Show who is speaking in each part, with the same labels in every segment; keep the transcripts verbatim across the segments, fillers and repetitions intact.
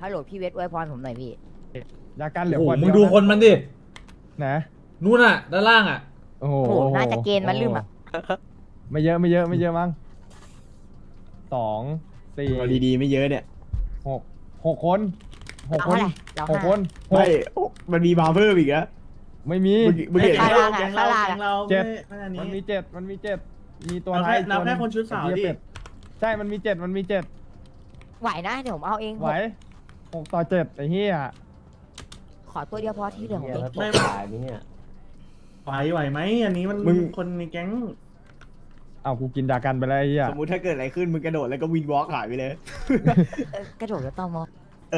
Speaker 1: ฮัลโหลพี่เวทอวยพรผมหน่อยพี่
Speaker 2: ยากันเหลือ
Speaker 3: โอ้โห
Speaker 2: ขวด
Speaker 3: มึง
Speaker 2: เดียว
Speaker 3: ดู
Speaker 2: นะ
Speaker 3: คนมันดิ
Speaker 2: นะ
Speaker 3: นู่นอ่ะด้านล่างอ่ะ
Speaker 2: โอ้โห
Speaker 1: โอ้โหน่าจะเกณฑ์มาลืมอ่ะ
Speaker 2: ไม่เยอะไม่เยอะไม่เยอะมั้งสองสี่
Speaker 4: เอาดีๆไม่เยอะเนี่ย
Speaker 2: หกหกคนหก
Speaker 1: เรา
Speaker 2: คน
Speaker 1: เท่าไหร่เรา
Speaker 2: หก
Speaker 1: ห้า
Speaker 2: คนหก
Speaker 4: ไม่โอ้มันมีมาเพิ่มอีกอะ
Speaker 2: ไม่มี
Speaker 4: มึงมึงเห็น
Speaker 1: ข้าง
Speaker 4: ไหม
Speaker 1: ล่างอะข้างล่างอะ
Speaker 2: เจ็ด
Speaker 5: ไม่อัน
Speaker 2: มัน
Speaker 5: นี้
Speaker 2: มีเจ็ดมันมีเจ็ดมีตัว
Speaker 5: เรา
Speaker 2: ท้าย
Speaker 5: แค่เราแค่
Speaker 2: ตัวหง
Speaker 5: คนชุดสาว
Speaker 2: ไอ้
Speaker 5: ดิ
Speaker 2: เหี้ยเป็ใช่มันมีเจ็ดมันมีเจ็ด
Speaker 1: ไหวนะเดี๋ยวผมเอาเอง
Speaker 2: ไหวหกต่อเจ็ดไอ้เหี้ย
Speaker 1: ขอตัวเดียวพอที่เหลือของเอง
Speaker 5: ไม่ไหวไหวไหมอันนี้มันคนในแก๊ง
Speaker 2: เอากูกินยากันไปแล้วไอ้เหี้ย
Speaker 4: สมมุติถ้าเกิดอะไรขึ้นมึงกระโดดแล้วก็วินวอล์กหายไปเลย
Speaker 1: เออกระโดดแล้วต่อมอ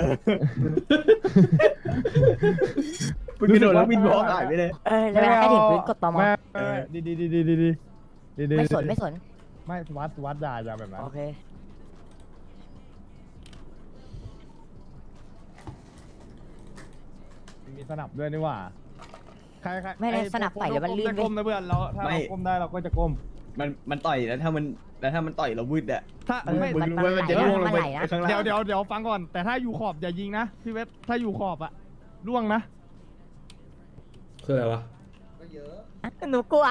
Speaker 4: มึงกระโดดแล้ววินวอล์กหายไปเลย
Speaker 1: เออแล้วเวลาใกล้ถึงพื้นกดต่อมอ
Speaker 2: ไม่ไม่ไม่ดีดีดีดีดีดีดีดี
Speaker 1: ไม่สนไม่สน
Speaker 2: ไม่วัดวัดด่าอย่าแบบนั้น
Speaker 1: โอเค
Speaker 2: มีสนับด้วยนี่หว่าใครใคร
Speaker 1: ไม่ได้สนับใส่เดี๋ยวมันลื่น
Speaker 2: ก้
Speaker 1: เว้
Speaker 2: ม
Speaker 1: ย
Speaker 2: นะเพื่อนเราถ้าเราก้มได้เราก็จะก้ม
Speaker 4: มันมันต่อยแล้วถ้ามันแล้วถ้ามันต่อยเราวืดอะ
Speaker 2: ถ้า
Speaker 1: เออ
Speaker 2: ไม่
Speaker 4: มึง
Speaker 1: มัน
Speaker 4: รู้ว่ามันจะ
Speaker 1: มัน
Speaker 4: ล่วงลงไป
Speaker 1: ไหลนะ
Speaker 4: ข้างล่าง
Speaker 2: เดี๋ยวเดี๋ยวเดี๋ยวฟังก่อน แต่ถ้าอยู่ขอบอย่ายิงนะพี่เวทถ้าอยู่ขอบอะล่วงนะ
Speaker 3: คืออะไรวะ
Speaker 6: ก็เยอะ
Speaker 1: หนูกลัว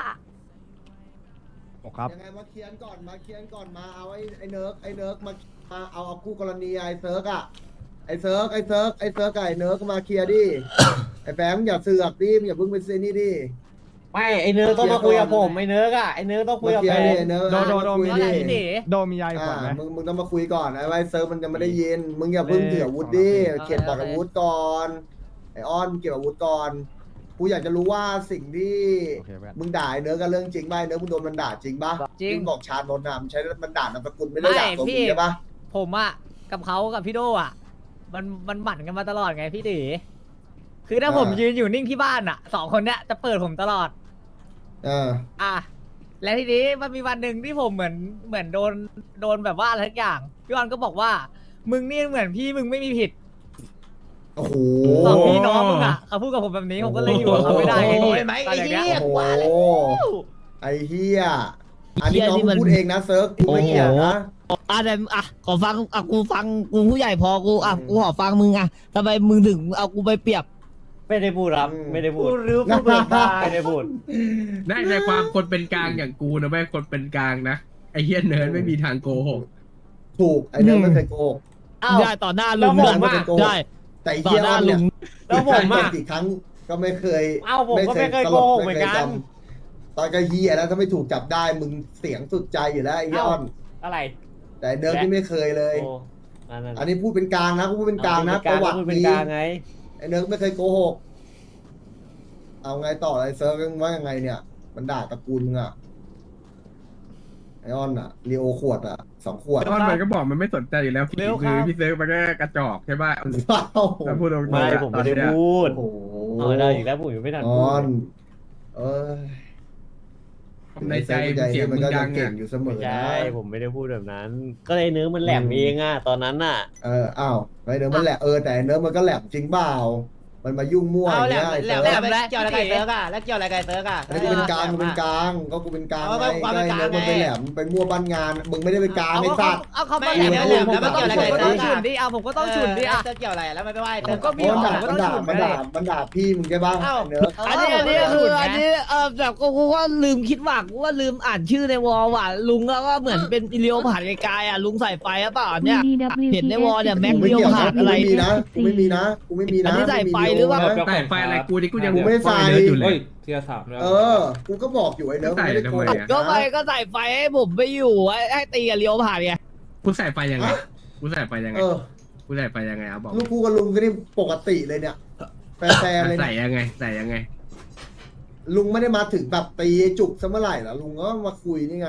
Speaker 2: ครับ
Speaker 6: ยังไงมาเคลียร์ก่อนมาเคลียร์ก่อนมาเอาไอ้ไอ้เนิร์กไอ้เนิร์กมามาเอาเอาคู่กรณีไอ้เซิร์กอะไอ้เซิร์กไอ้เซิร์กไอ้เซิร์กกับไอ้เนิร์กมาเคลียร์ดิ ไอ้แฟมอย่าเสือกดิอย่าเพิ่งเป็นเซนี่ดิ
Speaker 7: ไม่ไอเนื้อต้องมาคุยกับผมไอเนื้ออะไอเนื้อต้องคุย
Speaker 6: มา
Speaker 7: กับ
Speaker 6: เคลีย
Speaker 7: ผ
Speaker 6: ร์ดิ
Speaker 7: ม
Speaker 6: ไอ้เนิร์ก
Speaker 2: โดโดโด
Speaker 6: มาคุยดิ
Speaker 2: โดมียาอีกขว
Speaker 6: อ่า
Speaker 2: ดไหม
Speaker 6: มึงมึงต้องมาคุยก่อนไอ้ไอ้เซิร์กมันจะไม่ได้ยินมึงอย่าเพิ่งถืออาวุธดิ
Speaker 2: เลข
Speaker 6: เก็บปากอาวุธก่อนไอ้อ้อนเก็บอาวุธก่อนกูอยากจะรู้ว่าสิ่งที่
Speaker 2: โอเคเพื่อน
Speaker 6: มึงด่าไอ้เนิร์กกันเรื่องจริงป่ะไอ้เนิร์กมึงโดนมันด่าจริงป่ะ
Speaker 8: จริง
Speaker 6: มึบอกชาญนนท์นะมันใช้มันด่านามสกุลไม่ได้ด่าตัว
Speaker 8: ไม่พี่
Speaker 6: มึงใช่ป่ะ
Speaker 8: ผมอะกับเขากับพี่โดอะมันมันหมั่นกันมาตลอดไงพี่ตีคือถ้าผมยืนอยู่นิ่งที่บ้านอะสองคนเนี้ยจะเปิดผมตลอด
Speaker 6: เออ
Speaker 8: อ่ะและทีนี้มันมีวันหนึ่งที่ผมเหมือนเหมือนโดนโดนแบบว่าอะไรทุกอย่างพี่วันก็บอกว่า มึงนี่เหมือนพี่มึงไม่มีผิด
Speaker 6: โอ้โห
Speaker 8: สองพี่น้องมึงอะเขาพูดกับผมแบบนี้ผมก็เลยอยู่กับเขาไม่ได้ไงพี่
Speaker 6: โอ้โห
Speaker 8: ตอนอย่างเงี้ย
Speaker 6: โอ้โหไอ้เฮียอันนี้น้องพูดเองนะเซิร์ฟกูไม่เกี่ยวนะ
Speaker 7: อ่ะแต่อ่ะขอฟังอ่ะกูฟังกูผู้ใหญ่พอกูอ่ะกูขอฟังมึงอ่ะทำไมมึงถึงเอากูไปเปรียบ
Speaker 9: ไม่ได้พูดครับ ไม่ได้พูด
Speaker 8: พูดหรือพูดเบิกบาน
Speaker 9: ไม่ได้พูด
Speaker 10: ได้ในความคนเป็นกลางอย่างกูนะแม่คนเป็นกลางนะไอ้เฮียเนิร์ดไม่มีทางโกหก
Speaker 6: ถูกไอ้เนิร์ดไม่เคยโกหก
Speaker 8: อ้าว
Speaker 7: ได้ต่อหน้าลุง
Speaker 6: แล้วผม
Speaker 7: ด้วย
Speaker 6: อะ
Speaker 7: ได้
Speaker 6: แต่ไอ้
Speaker 7: ต่อ
Speaker 6: เฮีย
Speaker 7: หน้า
Speaker 6: อ้อน
Speaker 7: ลุ
Speaker 6: เนี่ย
Speaker 7: ง
Speaker 9: แล้วผมอะ
Speaker 6: กี่ครั้งก็ไม่เคย
Speaker 9: เอ้าผมก็ไม่เคยโกหกเหมือนกัน
Speaker 6: ตอนก็เฮียแล้วถ้าไม่ถูกจับได้มึงเสียงสุดใจอยู่แล้วไอ้เฮียอ้อน
Speaker 9: อะไร
Speaker 6: แต่เนิร์ดที่ไม่เคยเลย
Speaker 9: โอ้อันนั้น
Speaker 6: อันนี้พูดเป็นกลางนะกูพูดเป็นกลางนะประวัติ
Speaker 9: พูดเป็น
Speaker 6: มี
Speaker 9: กลางไง
Speaker 6: ไอ้เนิร์ดไม่เคยโกหกเอาไงต่อไอ้เซิร์ฟว่ายังไงเนี่ย มันด่าตระกูลมึงอะไอออนอะลีโอขวดอะสองขวด
Speaker 10: ตอนมันก็บอกมันไม่สนใจอยู่แล้วพี่คือพี่เซิร์ฟมันก็กระจอกใช่ป่ะ
Speaker 6: ว้าว
Speaker 10: ถ้าพูดตรงๆ
Speaker 9: ไม่
Speaker 10: อะ
Speaker 9: ผม
Speaker 10: ตอ
Speaker 9: ไม่
Speaker 10: น
Speaker 9: ได้
Speaker 10: เนี้ย
Speaker 9: พูด
Speaker 6: โอ้โห
Speaker 9: เอาได้อีกแล้วผมยังไม่ทัน
Speaker 6: อ
Speaker 9: พูด
Speaker 6: อน
Speaker 9: เลย
Speaker 6: เออ
Speaker 10: ในใจเสียง
Speaker 6: มั
Speaker 10: มึ
Speaker 6: น
Speaker 10: ง
Speaker 6: ก็
Speaker 10: ดั
Speaker 6: ยัง
Speaker 10: ง
Speaker 6: เก่
Speaker 10: อ่ะ
Speaker 6: งอยู่เสม
Speaker 9: ไม่
Speaker 6: อนะ
Speaker 9: ใช่ผมไม่ได้พูดแบบนั้น ก็เลยเนื้อมันแหลมเองอ่ะตอนนั้นน่ะ
Speaker 6: เอออ้าวไอเนิร์ดมันแหละเออแต่เนิร์ดมันก็แหลมจริงเปล่ามันมายุ่งมั่วอย่างเงี้ยไอ้
Speaker 8: แหล
Speaker 6: เซิ
Speaker 8: ม
Speaker 6: ร์ฟ
Speaker 8: แหลมแล้วเกี่ยวอะไรกับเซิร์กอะแล้วเกี่ยวอะไรกับเซิร์กอะ
Speaker 6: อันนี้กูเป็นกลางกูเป็นกลางก็กูเป็นกลาง
Speaker 8: เอา
Speaker 6: ไง
Speaker 8: ก็ความ
Speaker 6: ก็
Speaker 8: เป็น
Speaker 6: ไอ้
Speaker 8: กลาง
Speaker 6: เนิร์ดมันไป
Speaker 8: ไง
Speaker 6: แหลมไปมั่วบ้านงานมึงไม่ได้เป็นกลางไอ้สัตว์
Speaker 8: เอาเขามาแหลมแล้วแหลมแล้วมันเกี่ยวอะไรกับเซิร์กฉุนดิเอาผมก็ต้องฉุนดิอะ
Speaker 9: จะเกี่ยวอะไรแล้วไม่ไปไหว
Speaker 8: ผมก็มี
Speaker 6: มัน
Speaker 8: ขอ
Speaker 6: ด่าง
Speaker 8: ก็
Speaker 6: มัน
Speaker 8: ต้อง
Speaker 6: ด่า
Speaker 8: ฉุน
Speaker 6: มัน
Speaker 8: เล
Speaker 6: ด่าย มันด่าพี่มึงใช่ป่ะ
Speaker 8: เอ้า
Speaker 6: ไอ้เนิร์ด
Speaker 7: อันนี้อันนี้คืออันนี้เออแบบกูกูก็ลืมคิดว่ากูว่าลืมอ่านชื่อในวอลว่ะลุงแล้วก็เหมือนเป็นอิเลียวผ่านไกลๆอ่ะลุงใส่ไฟหรือเปล่าเนี่ยเห็นในวอลเนี่ยแม็ก
Speaker 6: กูไม่
Speaker 7: เลียว
Speaker 6: เกี่ยว
Speaker 7: ผ่า
Speaker 6: นะ
Speaker 7: น
Speaker 6: กู
Speaker 7: อะไร
Speaker 6: ไม่มีนะกูไม่มีนะกูไม่มีนะ
Speaker 7: อันนี้ใส่ไฟ
Speaker 6: ม่มี
Speaker 7: หรือเปล่า
Speaker 6: นะ
Speaker 10: แต่ไฟอะไรกูที่กูยัง
Speaker 6: กูไม่ได้ใส่
Speaker 10: เนิร์ดอยู่เลย
Speaker 9: เทียร์สามแล้ว
Speaker 6: เออ กูก็บอกอยู่ไอ้เนิร์ด
Speaker 10: ใส่
Speaker 6: ไม่ได้โกห
Speaker 10: ทำไม
Speaker 6: ก
Speaker 10: อะ
Speaker 7: ก็ไป
Speaker 6: นะ
Speaker 7: ก็ใส่ไฟให้ผมไปอยู่ให้ให้ตีกับเลียวผ่านไง
Speaker 10: กูใส่ไฟยังไงกูใส่ไฟยังไง
Speaker 6: เออ
Speaker 10: กูใส่ไฟยังไงเอาบอก
Speaker 6: ลูกกูกับลุงก็นี่ปกติเลยเนี่ยแฟนๆเลย
Speaker 10: ใส่
Speaker 6: เนี่ย
Speaker 10: ยังไงใส่ยังไง
Speaker 6: ลุงไม่ได้มาถึงแบบตีจุกซะเมื่อไหร่เหรอลุงก็มาคุยนี่ไง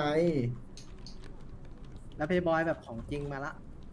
Speaker 5: แล้วเพย์บอยแบบของจริงมาละ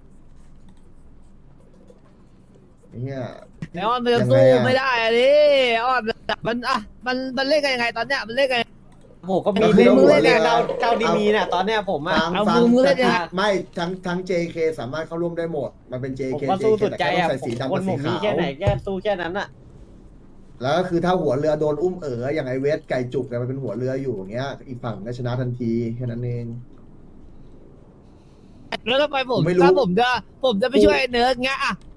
Speaker 6: เนี่ย
Speaker 7: แล้วมันจะสู้ไม่ได้อะดิอ้อนมันอ่ะมันมันเล่นกันยังไงตอนเนี้ยมันเล่นกัน
Speaker 9: ผมก็มี
Speaker 6: คือ
Speaker 9: มือ
Speaker 6: หัวเรือ
Speaker 9: เล่นเจ้าเจ้าดีมีน่ะตอนเนี้ยผมอ่ะ
Speaker 6: ฟัง
Speaker 7: เอา
Speaker 6: ฟั
Speaker 7: มึ
Speaker 6: ง
Speaker 7: งมึงเล่นยังไง
Speaker 6: ไม่ทั้งทั้ง เจ เค สามารถเข้าร่วมได้หมด มันเป็น เจ
Speaker 9: ผม
Speaker 6: เค
Speaker 9: ก็สู้
Speaker 6: เจ
Speaker 9: สุด
Speaker 6: เค
Speaker 9: ใจ
Speaker 6: แต่
Speaker 9: อ่ะ
Speaker 6: ใส่สีดำ
Speaker 9: ค
Speaker 6: กับ
Speaker 9: นผ
Speaker 6: สี
Speaker 9: มมี
Speaker 6: ขาว
Speaker 9: แค่ไหนแค่สู้แค่นั้นอ่ะ
Speaker 6: แล้วก็คือถ้าหัวเรือโดนอุ้มเอ๋ออย่างไอเวสไก่จุกแต่มันเป็นหัวเรืออยู่อย่างเงี้ย อีกฝั่งก็ชนะทันทีแค่นั้นเอง
Speaker 7: แล้วทำไมผม
Speaker 6: ผมไม่รู้
Speaker 7: ถ้าผมจะผมจะไปช่วยเนิร์ดเงี้ยอ่ะ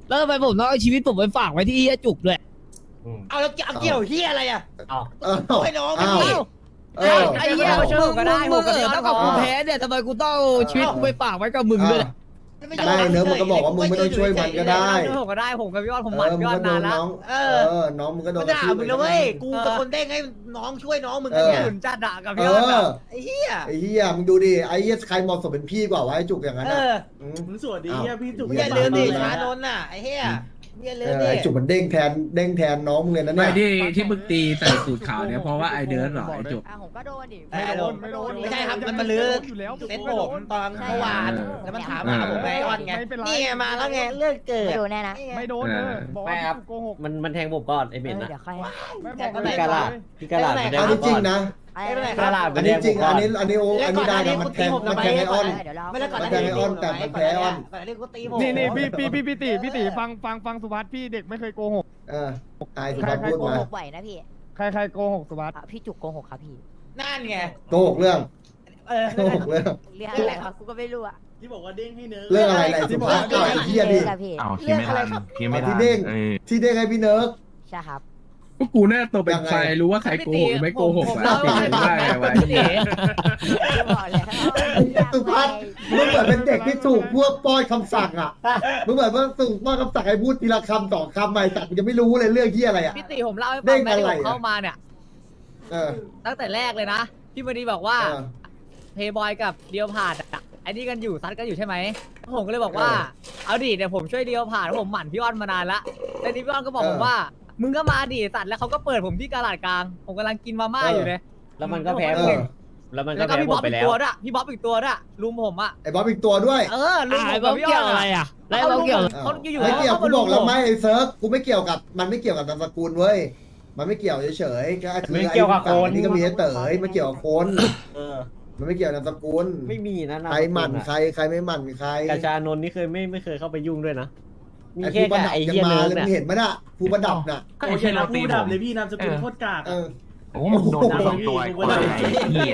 Speaker 7: แล้วทำไมผมต้องเอาชีวิตผมไปฝากไว้ที่เฮียจุกด้วย
Speaker 8: เอาแล้วเกี่ยวเฮียอะไรอ่ะ
Speaker 6: เอ้า
Speaker 8: ไม่น้อง
Speaker 6: เอ้า
Speaker 8: ไม่
Speaker 6: เออ
Speaker 7: ไอ้เหี้ย
Speaker 8: ไม่ช่วย
Speaker 7: มึ
Speaker 8: ผ
Speaker 7: ง
Speaker 8: มก็ได้
Speaker 7: มึ
Speaker 8: ผ
Speaker 7: ง
Speaker 8: มก็
Speaker 7: เอ
Speaker 8: ได้
Speaker 7: อถ้ากับกูแพ้เนี่ยทำไมกูต้องเอาชีวิตกูไปฝากไว้กับมึงด้วยล่ะ
Speaker 6: ไม่เนื้อะมันก็บอกว่ามึงไม่ต้องช่วยมันก็ได้
Speaker 8: ผมก็ได้ผมกับพี่ว่าผม
Speaker 6: เอ
Speaker 8: หมัน
Speaker 6: อมึ
Speaker 8: พี่
Speaker 6: ง
Speaker 8: ว่า
Speaker 6: ก็โด
Speaker 8: นาน
Speaker 6: น
Speaker 8: แล้ว
Speaker 6: น้อง
Speaker 8: เอ
Speaker 6: เอ
Speaker 8: อ
Speaker 6: อน้องมึงก็โดน
Speaker 8: มันด่ามึงนะเว้ยกูเป็นคนเด้งให้น้องช่วยน้องมึงกันเนี่ยหนุนจัดด่ากับ
Speaker 6: เอ
Speaker 8: พี่ว่า
Speaker 6: อ
Speaker 8: ไอ้เหี้ย
Speaker 6: ไอ้เหี้ยมึงดูดิไอ้เหี้ยใครเหมาะสมเป็นพี่กว่าวะไอ้จุกอย่างนั้น
Speaker 8: เอ
Speaker 6: อ่ะ
Speaker 8: อ
Speaker 6: ม
Speaker 5: มึงสวัสดี
Speaker 6: อ้าว
Speaker 5: เฮียพี่จุก
Speaker 8: มึงอย่าลืมดิชานนท์น่ะไอ้เหี้ยมึงอย่าลื
Speaker 6: เอ
Speaker 8: ม
Speaker 6: อ
Speaker 8: ดิ
Speaker 6: ไอ้จุกมันเด้งแทนเด้งแทนน้องมึงเลยนะ
Speaker 10: ไม่
Speaker 6: เนี่ย
Speaker 10: ที่ที่มึงตีใส่สูตรขาวเนี่ยเพราะว่าไอเดิร์ดเหรอไอจุก
Speaker 1: อ่ะผมก็โดนดิ
Speaker 8: ไม่โดน
Speaker 2: ไม่โดน
Speaker 8: ไม่ใช่ครับมันมาลื้อ
Speaker 2: อยู่แล้ว
Speaker 8: เซ็ตผมตอนเมื่อวานแล้วมันถามหาผมไงออนไง
Speaker 2: ไม่เป็นไร
Speaker 8: นี่ไงมาแล้วไงเรื่องเกิด
Speaker 1: ไม่โดนแน่นะ
Speaker 2: ไม่โดนเออบอกว่าพี่โกหก
Speaker 9: มันมันแทงผมก่อนไอ้
Speaker 1: เอ
Speaker 9: เบ็ด
Speaker 1: อ
Speaker 9: นะ
Speaker 1: เดี๋ยวค่อย
Speaker 2: ไม่บอก
Speaker 9: พี่กาลาดพี่กาลาดมันแทง
Speaker 6: อัน
Speaker 9: ผ
Speaker 6: นี้
Speaker 9: ม
Speaker 6: จริ
Speaker 9: ก่
Speaker 6: ง
Speaker 9: อน
Speaker 6: นะ
Speaker 8: ไม่เป็นไร
Speaker 9: กาลาดมั
Speaker 6: อั
Speaker 9: น
Speaker 6: น
Speaker 9: แท
Speaker 6: นี้
Speaker 9: ง
Speaker 6: จริง
Speaker 9: ผมก่
Speaker 6: อั
Speaker 9: อน น
Speaker 6: นี้อันนี้โออันนี้ได้นะมันแทงมันแทงไอออน
Speaker 8: ไม่แล้วก่อน
Speaker 6: มันแทงไอออนแต่มันแพ้ไอออน
Speaker 8: ก่อนหน้านี้กูตีผม
Speaker 2: นี่นี่พี่พี่พี่พี่ตีพี่ตีฟังฟังฟังสุภัสพี่เด็กไม่เคยโกหก
Speaker 6: เออไอ้สุ
Speaker 1: ใคร
Speaker 6: ภาพพูด
Speaker 1: โก
Speaker 6: มา
Speaker 1: หกไหวนะพี่
Speaker 2: ใครใครโกหกสุภัส
Speaker 1: อ่ะพี่จุกโกหกครับพี่
Speaker 8: นั่นไง
Speaker 6: โกหกเรื่อง
Speaker 8: เออ
Speaker 6: โกหกเรื่อง
Speaker 1: เรื่องอะไรครับกูก็ไม่รู้อะ
Speaker 5: ที่บอกว่าเด้งให้เนิร์ก
Speaker 6: เรื่องอะไรไรสุภาพก่อนไอ้เหี้ยดิ
Speaker 1: ครับพี่
Speaker 11: อ้าวคิดไม่ทันคิดไม่ทั
Speaker 6: ที่
Speaker 11: น
Speaker 6: เด้ง
Speaker 11: เออ
Speaker 6: ที่เด้งให้พี่เนิร์ก
Speaker 1: ใช่ครับ
Speaker 10: ก็กูน่าตัวเป็นใครรู้ว่าใครโกหกหรือไม่โกหกวะตีว่าไงวะไอ้เหี้ย
Speaker 1: ไม่บอกแล้ว
Speaker 6: สุภาพมึงเหมือนเป็นเด็กที่ถูกพวกป้อนคำสั่งอ่ะมึงเหมือนว่าถูกป้อนคำสั่งให้พูดทีละคำสองคำใหม่แต่มึงจะไม่รู้เลยเรื่องที่อะไรอ่ะ
Speaker 8: พี่ตีผมเล่าให้
Speaker 6: เด้
Speaker 8: ฟัง
Speaker 6: ง
Speaker 8: นะที่
Speaker 6: อะไร
Speaker 8: ผม
Speaker 6: อะ
Speaker 8: เข้ามาเนี่ย
Speaker 6: เออ
Speaker 8: ตั้งแต่แรกเลยนะพี่มณีบอกว่า
Speaker 6: เออ
Speaker 8: เพย์บอยกับเดียวผ่านอะไอ้นี่กันอยู่ซัดกันอยู่ใช่ไหมผมก็เลยบอกว่า
Speaker 6: เออ
Speaker 8: เอาดิเดี๋ยวผมช่วยเดียวผ่านเพราะผมหมั่นพี่อ้อนมานานละแล้วนี่พี่อ้อนก็บอก
Speaker 6: เออ
Speaker 8: ผมว่า มึงก็มาดิสัตว์แล้วเขาก็เปิดผมที่กาลาดกลาง ผมกำลังกินมาม่า
Speaker 6: เออ
Speaker 8: อ
Speaker 6: อ
Speaker 8: ยู่เลย
Speaker 9: แล้วมันก็แพ้
Speaker 6: เอ
Speaker 9: ผ
Speaker 6: อ
Speaker 9: มแล้วมันก็
Speaker 8: แล้วก็
Speaker 9: แพ้
Speaker 8: พี่
Speaker 9: ผ
Speaker 8: บ๊อ
Speaker 9: ม
Speaker 8: บ
Speaker 9: ไป
Speaker 8: อีก
Speaker 9: แล้ว
Speaker 8: ตัวด้วยพี่บ๊อบอีกตัวด้วยลุมผมอะ
Speaker 6: ไอ้บ๊อบอีกตัวด้วย
Speaker 8: เออลุม
Speaker 7: อ่า
Speaker 8: ผ
Speaker 7: ไอ้
Speaker 8: ม
Speaker 7: บ
Speaker 8: กั
Speaker 7: อบ ก
Speaker 8: พี่
Speaker 7: เกี่
Speaker 8: อ้
Speaker 7: ย
Speaker 8: อ
Speaker 7: วน อะไร
Speaker 8: อะ
Speaker 7: อ่ะแล้วไอ้บอกเกี่ยว
Speaker 8: เขาอยู่ๆ
Speaker 6: ไม่เกี่ยว
Speaker 8: เขา
Speaker 6: กู
Speaker 8: มาลุ
Speaker 6: บ
Speaker 8: ม
Speaker 6: อกแล้ว
Speaker 8: ผม
Speaker 6: ไม่ไอ้เซิร์ฟกูไม่เกี่ยวกับมันไม่เกี่ยวกับนามสกุลเว้ยมันไม่เกี่ยวเฉยๆก็คือ
Speaker 9: ไม่เกี่ยวกับ
Speaker 6: ไอ้
Speaker 9: คน
Speaker 6: ฝั่งนี่ก็มีไอ้เต๋อไม่เกี่ยวกับคน
Speaker 9: เออ
Speaker 6: มันไม่เกี่ยวนามสกุล
Speaker 9: ไม่มีนะ
Speaker 6: ใครหมั่นใครใครไม่หมั่นใคร
Speaker 9: กาชานนท์นี่เคยไม่ไม่เคยเข้าไปยุ่งด้วยนะมี
Speaker 6: ไอ้
Speaker 9: แค่
Speaker 6: ผู้ประ
Speaker 9: กับ
Speaker 6: ดับ
Speaker 9: ไอ้
Speaker 6: ยัง
Speaker 9: เฮีย
Speaker 6: มา
Speaker 9: เนิร์
Speaker 6: เลย
Speaker 9: ก
Speaker 6: มึ
Speaker 9: เนี่ย
Speaker 6: งเห็นไหมน่ะผู้ประดับน่ะ
Speaker 11: ก็ไอ้เช่นเราตี
Speaker 5: พูด
Speaker 11: ผ
Speaker 5: ดับ
Speaker 11: ม
Speaker 5: เลยพี่นามสกุลโคตรกาก
Speaker 6: เออ
Speaker 11: โอ้มึงโดนทั้งสองตัวไอ้ควายไอ้เหี้ย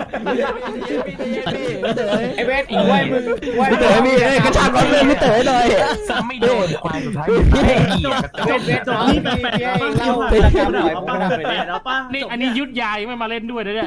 Speaker 9: ไอ้เวทอีกด้วยมึง
Speaker 7: พี่เต๋อมีเอ้ยกระชากรถเลยพี่เต๋อหน่อย
Speaker 11: ซ้ำไม่โดนควายสุดท้ายมึงไอ้เหี้ยกระจอก
Speaker 5: เวทจอนี่แปลกๆป้าเล่าไปแล้วป้าแปลกๆแล้วป้า
Speaker 10: นี่อันนี้ยุดยายังไม่มาเล่นด้วยนะเนี่ย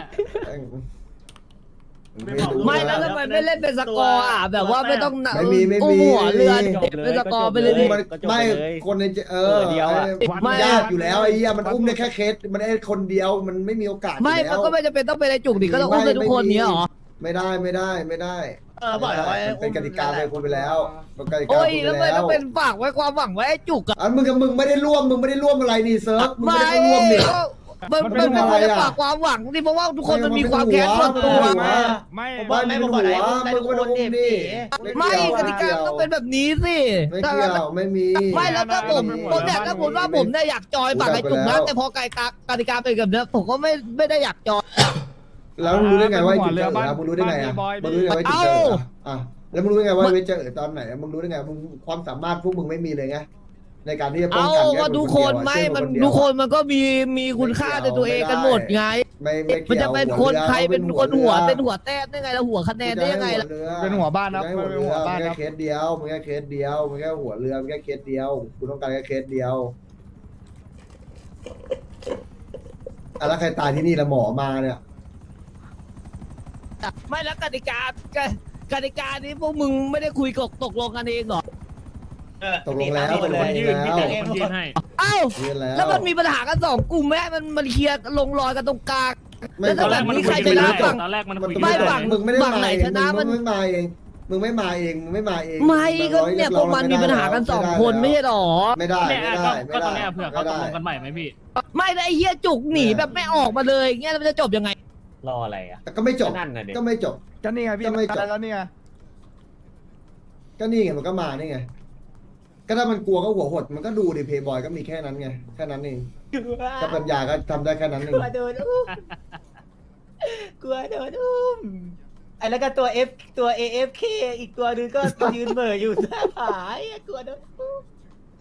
Speaker 7: ไม่แล้วทำไมไม่เล่นเป็นสกอร์อ่ะแบบว่าไม่ต้อง
Speaker 6: ไม่มีไม่มี
Speaker 7: อุ้หัวเรือ
Speaker 9: จบเลย
Speaker 7: เป็นสกอร์ไปเลยดิ
Speaker 6: มันไม่คนในเออ
Speaker 9: เดียวอะ
Speaker 6: มันยากอยู่แล้วไอ้เหี้ยมันอุ้มได้แค่เคสมันได้คนเดียวมันไม่มีโอกาส
Speaker 7: ไม่
Speaker 6: อยู่
Speaker 7: มั
Speaker 6: แล้
Speaker 7: น
Speaker 6: ว
Speaker 7: ก็ไม่จำเป็นต้องเป็นไอ้จุกดิก็ต้องอุ้มได้ทุกคนเนี้ยเหรอ
Speaker 6: ไม่ได้ไม่ได้ไม่ได้
Speaker 8: เออบอกแล้วว่า
Speaker 6: มันเป็นกติกาไปคนไปแล้วเป็นกติกา
Speaker 7: โอ้ย
Speaker 6: คน
Speaker 7: แล้ว
Speaker 6: ไป
Speaker 7: ไม่
Speaker 6: แล้
Speaker 7: ต้อ
Speaker 6: ว
Speaker 7: งเป็นฝากไว้ความหวังไว้ไอ้จุกอะ
Speaker 6: อันมึงกับมึงไม่ได้ร่วมมึงไม่ได้ร่วมอะไรนี่เซิร์ฟมึง
Speaker 7: ไม่
Speaker 6: ไม่ได้ร่วมนี่
Speaker 7: ก็มันมันไม่ควรจะฝากความหวังดิเพราะว่าทุกคนมันมีความแค้นส่วนตัว
Speaker 2: ไม่
Speaker 6: ไม่ไม่มึงหัวมึงก็ไม่ต้องอุ้มนี่
Speaker 7: ไม่กติกาต้องเป็นแบบนี้สิ
Speaker 6: ไม่เกี่ยวไม่มี
Speaker 7: ไม่แล้วถ้าผมผมเนี่ยถ้าผมว่าผมเนี่ยอยากจอยฝั่งไอ้จุกนะแต่พอกติกากติกาเป็นแบบนี้ผมก็ไม่ไม่ได้อยากจอย
Speaker 6: แล้วมึงรู้ได้ไงว่าไอ้จุดเจอแล้วมึงรู้ได้ไงอ่ะมึงรู้ได้ไงว่าไอ้จุดเจออ่ะแล้วมึงรู้ได้ไงว่าไอ้เจอตอนไหนมึงรู้ได้ไงมึงความสามารถพวกมึงไม่มีเลยไงในการที่จะป้อง
Speaker 7: เอา
Speaker 6: กันแค่
Speaker 7: ก็ทุกคนไม่มันทุกคนมันก็มีมีคุณค่าในตัวเองกันหมดไง
Speaker 6: ไม่ไม่
Speaker 7: มัน
Speaker 6: เกี่ยว
Speaker 7: จะเป็นคนใครเป็นคนหัวเป็นหัวแต้มได้ไงแล้วหัวคะแนนได้ยังไงล่ะ
Speaker 2: เป็นหัวบ้านครับ
Speaker 6: มึง
Speaker 2: เป็นหัวบ้าน
Speaker 6: แค่
Speaker 2: ครับ
Speaker 6: เคสเดียวมึงแค่เคสเดียวมึงแค่หัวเรือมึงแค่เคสเดียวกูต้องการแค่เคสเดียวอ่ะแล้วใครตายที่นี่ละหมอมาเนี่ย
Speaker 7: ไม่แล้วกติกากติกานี้พวกมึงไม่ได้คุยกตกลงกันเองเหรอ
Speaker 6: ตกลงแล้วตกลงแล้ว
Speaker 7: เอ้า
Speaker 6: ยื่นแล้ว
Speaker 7: แล้วมันมีปัญหากันสองกลุ่มแม่มันมันเคลียร์ลงรอยกันตรงกลาง
Speaker 6: ไม่
Speaker 7: แล้วถ้าแบบนี้ใครชนะฝั่ง
Speaker 10: ตอนแรกมัน
Speaker 6: มัน
Speaker 10: คุย
Speaker 7: ไม่
Speaker 10: กัน
Speaker 7: ฝั่ง
Speaker 6: มึงไม่ได้
Speaker 7: ฝั่ง
Speaker 6: มา
Speaker 7: ไหน
Speaker 6: เอง
Speaker 7: ชนะมัน
Speaker 6: มึงไม่มาเองมึงไม่มาเองมึงไม่มาเอง
Speaker 7: ไม่ก็เนี่ยพวกมันมีปัญหากันสองคนไม่ใช่หรอ
Speaker 6: ไม่ได้
Speaker 10: เนี่ย
Speaker 6: ไม่ได้
Speaker 10: ก็
Speaker 6: ไม่
Speaker 10: ต
Speaker 6: ได้
Speaker 10: อนเนี้ยเผื่อเขาตกลงกันใหม่ไหมพี่
Speaker 7: ไม่ได้ไอ้เหี้ยจุกหนีแบบไม่ออกมาเลยเงี้ยมันจะจบยังไง
Speaker 9: รออะไรอ่ะ
Speaker 6: แต่ก็ไม่จบ
Speaker 9: นั่นน่ะเด็ก
Speaker 6: ก็ไม่จบ
Speaker 2: ก็นี่ไงพี่
Speaker 6: ก็ไม่จบ
Speaker 2: แล้วนี่ไง
Speaker 6: ก็นี่ไงมันก็มานี่ไงก็ถ้ามันกลัวก็หัวหดมันก็ดูดิเพย์บอยก็มีแค่นั้นไงแค่นั้นเองกับปัญญาก็ทำได้แค่นั้นเอง
Speaker 8: กลัวโดนอุ้มกลัวโดนอุ้มไอ้แล้วก็ตัว F ตัว เอ เอฟ เค อีกตัวนึงก็ยืนเหม่ออยู่หน้าผาไอ้กลัวโดนอุ้ม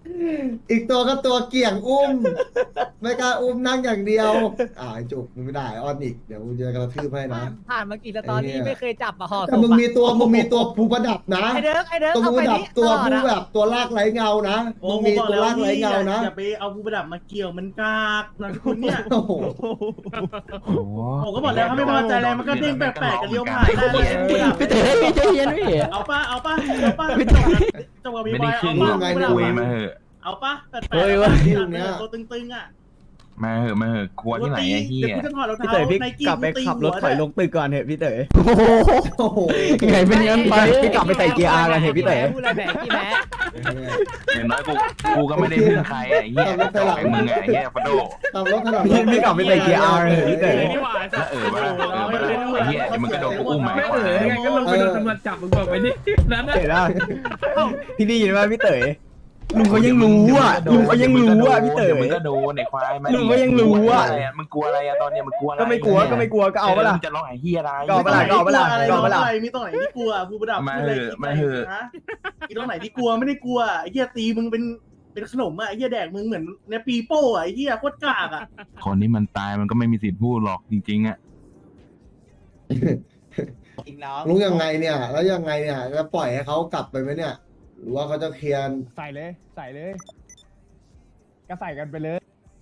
Speaker 6: อีกตัวก็ตัวเกี่ยงอุ้ม ไม่กล้าอุ้มนั่งอย่างเดียว อ่าไอ้จุกมึงไม่ได้อ้อนอีกเดี๋ยวกูจะกระทืบให้นะ
Speaker 8: ผ่านมากี่สตอรี่ไม่เคยจับอะห่อศ
Speaker 6: แต่
Speaker 8: พ
Speaker 6: มึง
Speaker 8: อะ
Speaker 6: มีตัวมึงมีตัวผู้ประดับนะ
Speaker 8: ไอเดิร์กไอเดิร์ก
Speaker 6: ตัว
Speaker 8: เอา
Speaker 6: ผู้ป
Speaker 8: ไประ
Speaker 6: ดับ
Speaker 8: นี้
Speaker 6: ตัว
Speaker 8: ต่อ
Speaker 6: ผู้
Speaker 8: นะ
Speaker 6: แบบตัวลากไร้เงานะมึงมีตัวลากไร้เงานะ
Speaker 5: อย่าไปเอาผู้ประดับมาเกี่ยวมันกากนะคุณเนี่ย
Speaker 6: โอ้โห
Speaker 11: โอ้โห
Speaker 5: ผมก็บอกแล้วถ้าไม่พอใจอะไรมันก็เด้งแปลกๆกับเลี้ยวผ่านได้เลย
Speaker 9: พี่เต๋อพี่ใจเย็นพี่
Speaker 5: เอาป่ะเอาป่ะเอาป่ะจบกับบี
Speaker 11: ไม่
Speaker 5: บอ
Speaker 11: ได้
Speaker 5: ย
Speaker 11: ครึ่
Speaker 5: เอา
Speaker 11: ง
Speaker 5: ป่ะ
Speaker 11: หรอกคุยมาเหอะ
Speaker 5: เอาป่ะแปลกๆ
Speaker 6: เฮ้ย
Speaker 5: เอา
Speaker 6: ที่
Speaker 5: ป่ะ
Speaker 6: ตรงเนี้ย
Speaker 5: ตัวตึงๆอ่ะ
Speaker 11: มาเหอะมาเหอะกลัวที่ไหนไอ้เหี้
Speaker 5: เดี๋ยวย กูจะถอดรอง
Speaker 4: พี่
Speaker 5: เท้า
Speaker 4: เต๋อพี่
Speaker 5: ไนกี้
Speaker 4: กลับไป
Speaker 5: ตี
Speaker 4: ขับรถ
Speaker 5: หัว
Speaker 4: ถอย
Speaker 5: ด้
Speaker 4: ลงตึกก่อนเถอะพี่เต๋อ
Speaker 6: โอ้โห
Speaker 4: ไงเป็นงั้นไปพี่กลับไปใส่เกียร์อาร์กันเถอะพี่เต๋อ
Speaker 8: พูดอะไรแหมกี่แหม
Speaker 11: อย่างน้อยกูกูก็ไม่ได้พึ่งใครไอ้เหี้ยแต่ไอ้มึงไงไอ้เหี้ยฟาโด
Speaker 6: ขับรถถนน
Speaker 4: พี่พี่กลับไปใส่เกียร์อาร์กันเถอะพี่เต๋อ
Speaker 11: แล้วเออว่าเออว่าไอ้เหี้ยเดี๋ยวมึงก็โดนกูอุ้มมา
Speaker 10: ไม่เออไงก็ลงไปโดนตำรวจจับมึงบอกไปดินั้นนะ
Speaker 4: เต๋อได้พี่ได้ยินไหมพี่เต๋อลุงเขายังรู้อ่ะลุงเขายังรู้อ่ะพี่เต๋อ
Speaker 11: ดี๋ยวมึงก็โดนไอ้ควายมา
Speaker 4: ลุงก็ยังรู้อะ
Speaker 11: มึงกลัวอะไรอะตอนเนี้ยมึงกลัวอะไร
Speaker 4: ก็ไม่กลัวก็ไม่กลัวก็เอาเปะล่า
Speaker 11: มึงจะร้องไอ้เหี้ยอะไร
Speaker 4: ก็เอาเปะล่าก็เอาเปะล่า
Speaker 5: อะไร
Speaker 4: ก็เอาเปะล่า
Speaker 5: อะไรมีตรงไหนที่กลัวผู้ประดับ
Speaker 11: มา
Speaker 5: พูดอะไร
Speaker 11: เหอะ
Speaker 5: คิด
Speaker 11: มา
Speaker 5: ไป
Speaker 11: เหอะ
Speaker 5: ฮะมีตรงไหนที่กลัวไม่ได้กลัวไอ้เหี้ยตีมึงเป็นเป็นขนมอ่ะไอ้เหี้ยแดกมึงเหมือนเนี่ยปีโป้อ่ะไอ้เหี้ยโคตรกากอ่ะ
Speaker 11: คนนี้มันตายมันก็ไม่มีสิทธิ์พูดหรอกจริงๆอะ
Speaker 6: ลุงยังไงเนี่ย แล้วยังไงเนี่ยจะปล่อยให้เขากลับไปไหมเนี่ย หรือว่าเขาจะเคลียร์
Speaker 2: ใส่เลย ใส่เลย ก็ใส่กันไปเลย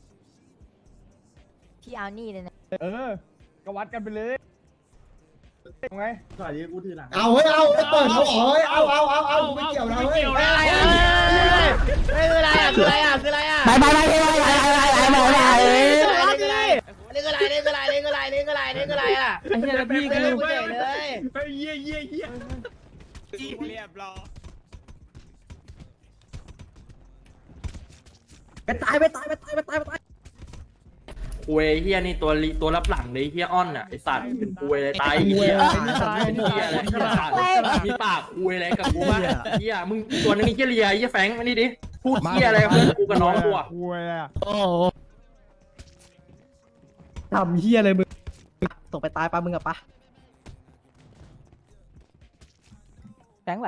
Speaker 1: พี่เอานี่เลยนะ
Speaker 2: เออ ก็วัดกันไปเลยยังไง
Speaker 5: ก่อนที่กูถือหลัง
Speaker 6: เอาเฮ้ยเอาเปิดเขาอ๋อเฮ้ยเอาเอาเอาเอาไม่เกี่ยวนะเฮ้ย
Speaker 8: อะไรอ่ะคืออะไรอ่ะคืออะไรอ่ะคืออะไรอ่ะ
Speaker 7: ไปไปไปไปไปไปไปไปไป
Speaker 8: นี่คืออะไรนี่คืออะไรนี่คืออะไรนี่คืออะไรนี่คืออะไรนี่คืออะไรอ่ะไอ้เหี้ยพี่ก็รู้เฉยเลย
Speaker 10: เฮ้ยเยี่ยเยี่ยเยี่ย
Speaker 8: เรียบร้อย
Speaker 7: ไปตายไปตายไปตายไปตายไปตาย
Speaker 12: คุยเฮียนี่ตัวลิตัวรับหลังเลยเฮียอ้อนอ่ะไอสัตว์เป็นคุยเลยตายเฮียเป็นเฮียอะไรเฮียสัตว์มีปากคุยอะไรกับกูบ้างเฮียมึงตัวนึงนี่เฮียเลียเฮียแฟงมานี่ดิพูดเฮียอะไรกับเพื่อนกูกับน้องกูอ่ะ
Speaker 2: คุยอ่ะ
Speaker 7: โอ้ทำเฮียอะไรมึงตกไปตายปะมึงอะปะ
Speaker 1: แฟงไหว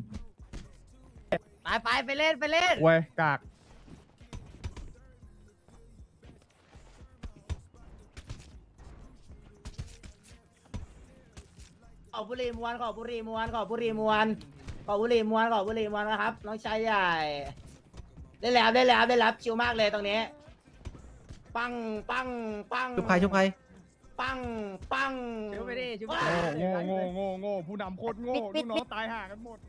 Speaker 8: ไปไปไปเล่นไปเล่น
Speaker 2: เว้ยกาก
Speaker 8: ขอบุรีมวนขอบุรีมวนขอบุรีมวนขอบุรีมวนขอบุรีมวนนะครับน้องชายใหญ่ได้แล้วได้แล้วได้แล้วชิวมากเลยตรงนี้ปังปังปัง
Speaker 7: ชุบใครชุบใคร
Speaker 8: ปังปังชิวไปดิชิวไป
Speaker 2: โง่โง่โง่โง่ผู้นำโคตรโง่ลูกน้องตายห่ากันหมด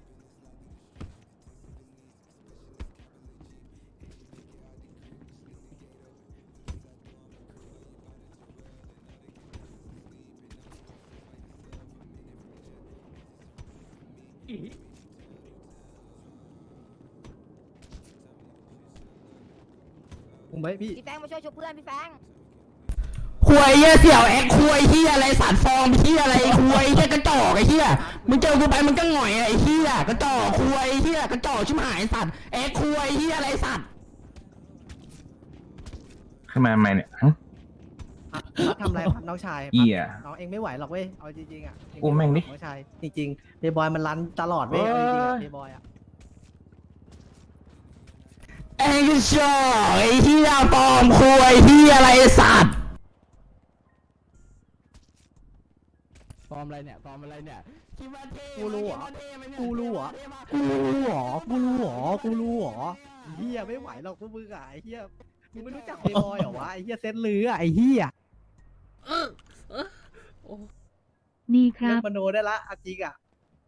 Speaker 7: มึงไหมพี่
Speaker 1: พี่แฟงมาช่วยชุบเพื่อนพี่แฟง
Speaker 7: ควยเหี้ยเสี่ยวแอคควยเหี้ยอะไรสารฟอร์มเหี้ยอะไรควยเหี้ยกระจอกไอ้เหี้ยมึงเจอกูไปมึงก็หง่อยไอ้เหี้ยกระจอกควยเหี้ยกระจอกชิบหายสัตว์แอคควยเหี้ยอะไรสัตว์
Speaker 11: ขึ้นมาทำไมเนี่ยฮะ
Speaker 7: ทำอะไรครับน้องชาย
Speaker 11: เหี้ย
Speaker 7: น้องเองไม่ไหวหรอกเว้ยเอาจริงๆอ่ะ
Speaker 11: อุ้มแม่งดิ
Speaker 7: น้องชายจริงๆเดย์บอยมันรันตลอดเว้ยเอาจริงๆอะเดย์บอยอ่ะเอ็งก็ชอบไอ้เหี้ยปลอมควยเหี้ยอะไรสัตว์ปลอมอะไรเนี่ยปลอมอะไรเนี่ยกูรู้เหรอกูรู้เหรอกูรู้เหรอกูรู้เหรอกูรู้เหรอเหี้ยไม่ไหวหรอกพวกมึงอ่ะไอ้เหี้ยมึงไม่รู้จักเดย์บอยเหรอวะไอ้เหี้ยเซตลืออ่ะไอ้เหี้ย
Speaker 1: นี่ค
Speaker 7: เลิ
Speaker 1: รั
Speaker 7: ก
Speaker 1: บ
Speaker 7: มโนได้ละเอาจริงอ่ะ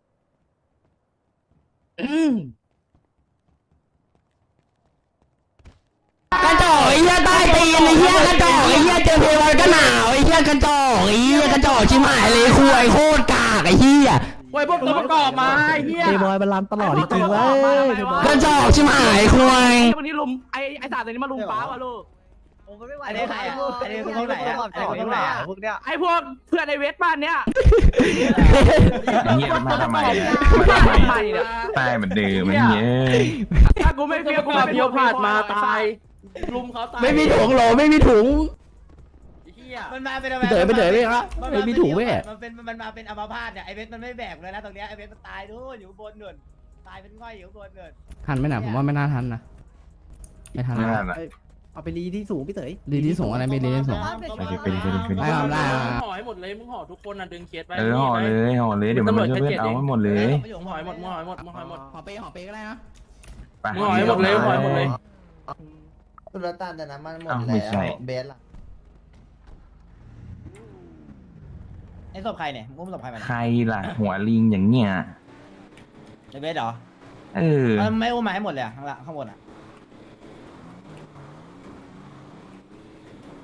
Speaker 7: กระจอกไอ้เหี้ยใต้ตีนไอ้เหี้ยกระจอกไอ้เหี้ยเจอเพลวันก็หนาวไอ้เหี้ยกระจอกไอ้เหี้ยกระจอกชิบหายเลยคุยโคตรกากไอ้เหี้ย
Speaker 12: เว้ยพวกตัวประกอบมาไอ้เฮีย
Speaker 7: เพลบอยมันรันตลอดจริงๆเว้ยกระจอกชิบหายคุย
Speaker 12: วันนี้ลุมไอ้ไอ้สาตัวนี้มาลุมป้าวะลูก
Speaker 8: ผมไม่ไหว
Speaker 7: อันนี้ใครอ่ะอันนี้คือพวกไหนอ่ะอันนี้คือพวกไหนอ่ะพวกเนี้ย
Speaker 12: ไอ้พวกเพื่อนในเวสบ้านเนี้ย
Speaker 11: ไอ้เหี้ยมาทำไมอะมาทำไมตายเหมือนเดิมไอ้เหี้ย
Speaker 12: ถ้ากูไม่เฟี้ยวกูแบบเดียวผ่านมาตายลุมเขาตาย
Speaker 7: ไม่มีถุงหรอไม่มีถุง
Speaker 12: เฮีย
Speaker 8: มันมาเป็น
Speaker 7: พี่เต๋อไปเต๋อไปครับ
Speaker 8: มัน
Speaker 7: ไม่มีถุงเว้ย
Speaker 8: มันเป็นมันมาเป็นอัมพาตเนี่ยไอเวสมันไม่แบกเลยนะตรงเนี้ยไอเวสมันตายนู่นอยู่บนนู่นตายเป็นง่อยอยู่บนนู่น
Speaker 7: ทันไหมนะผมว่าไม่น่าทันนะไม่ทัน
Speaker 11: ไม่
Speaker 7: แล้ว
Speaker 11: ทันอ่ะ
Speaker 7: เอาไปรีที่สูงพี่เต๋ยรีที่สูงอะไรไม่รีที่สูง
Speaker 11: ไปดิไปดิไปดิไปดิ
Speaker 7: ไม่เอาได้
Speaker 12: มึงห่อให้หมดเลยมึงห่อทุกคนอ่ะดึงเคสไป
Speaker 11: เออห่อเลยห่อเลยเดี๋ยวมันจะเพื่อนเอาให้หมดเลย
Speaker 12: มึงห่อให้หมดมึงห่อให้หมดมึงห่อให้หมด
Speaker 7: หอเปย์หอเปย์ก็ได้นะ
Speaker 11: ไป
Speaker 12: มึงห่อให้หมดเลยห่อให้หมดเลย
Speaker 8: ตุลตานแต่น้ำมันหมด
Speaker 11: อ้าว
Speaker 8: แล้
Speaker 11: ไม่ใช่
Speaker 8: วเบสล่ะไอ้ศพใครเนี่ยมึงอุ้มศพใครมา
Speaker 11: ใครล่ะหัวลิงอย่างเงี้ย
Speaker 8: ไอ้เบสเหรอ
Speaker 11: เออ
Speaker 8: มันไม่อุ้มมาให้หมดเลยอะข้างล่างข้างบนอ่ะ